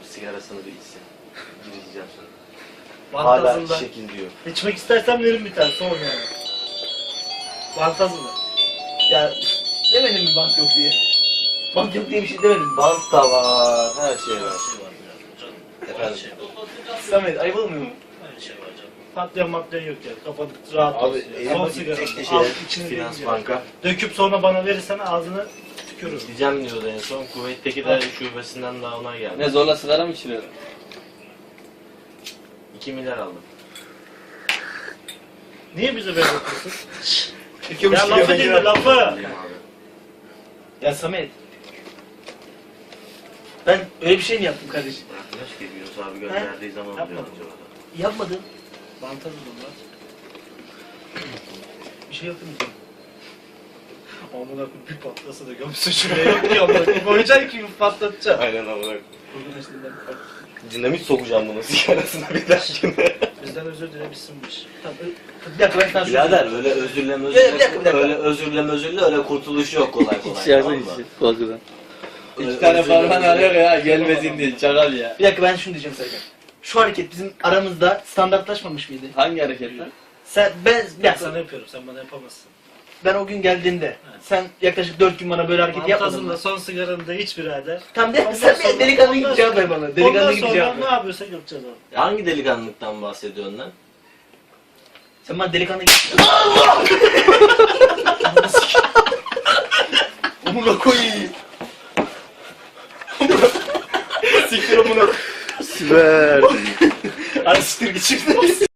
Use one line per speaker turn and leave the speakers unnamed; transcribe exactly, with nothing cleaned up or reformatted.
sigarasını bir içsin. Gireceğim sonra.
Vantazında.
Hala şekil diyor.
İçmek istersen verin bir tane, son yani. Vantazında. Ya demedim mi bant yok diye? Bant yok diye bir şey demedim mi?
Bant da var, her şey var. Efendim?
Samet ayıp olmuyor mu?
Aynı şey var canım.
Patlayan matlayan yok ya. Kafanı rahat
Abi,
olsun.
elim
Son
acı,
sigara.
tek de
Al
şey,
içine
Finans
değil
Banka.
ya. Döküp sonra bana verirsen ağzını tükürürüm.
Gideceğim diyordu en son. Kuveyt'teki de şubesinden daha onay geldi.
Ne zorla sigara mı içiriyorsun?
iki milyar aldım.
Niye bize böyle yapıyorsun?
İki
Ya
buçuk
lafı
lira
dinle
girer.
lafı.
Alayım abi.
Ya Samet. Ben öyle bir şey mi yaptım kardeşim?
Bırakmış ki Yunus abi gönderdiği zaman
Yapmadım.
diyor acaba da.
Yapmadım. Vantazım bunlar. Bir şey yapmayacağım. Amına koyayım bir patlasa da gömsün şuraya yok ki amına koyayım. Koyacaksın ki patlatacağım.
Aynen amına.
Bugün işte ben
Dinamit sokacağım bunun sigarasına bir dahakine.
bizden özür dilemişsin bu iş. Tamam, ö- bir dakika ben sana şunu
Birader öyle özürle
Bir dakika, bir dakika, bir
özürle,
dakika.
öyle özürle özürle öyle kurtuluş yok kolay kolay.
İçeride
tamam mı?
içi. Korkudan.
Öyle
İki tane
özürle
parmağını
özürle.
arıyor ya gelmesin diye çakal ya.
Bir dakika ben şunu diyeceğim Serkan. Şu hareket bizim aramızda standartlaşmamış mıydı?
Hangi hareketler?
Sen ben bir
Ben
dakika.
sana yapıyorum, sen bana yapamazsın.
Ben o gün geldiğinde sen yaklaşık dört gün bana böyle hareket yapmadın mı?
Vantazında son sigaranı da iç birader.
Tamam de
Ondan
sen
sonra-
bir delikanlı
ondan
gibi cevap ver
sonra-
bana. Delikanlı
Ondan
gibi
sonra
cevap
ne
ver.
yapıyorsak yapacağız abi.
Hangi delikanlılıktan bahsediyorsun lan?
Sen bana delikanlı gibi...
Amına koyayım. Siktir amına.
Süper.
Hadi siktir git şimdi.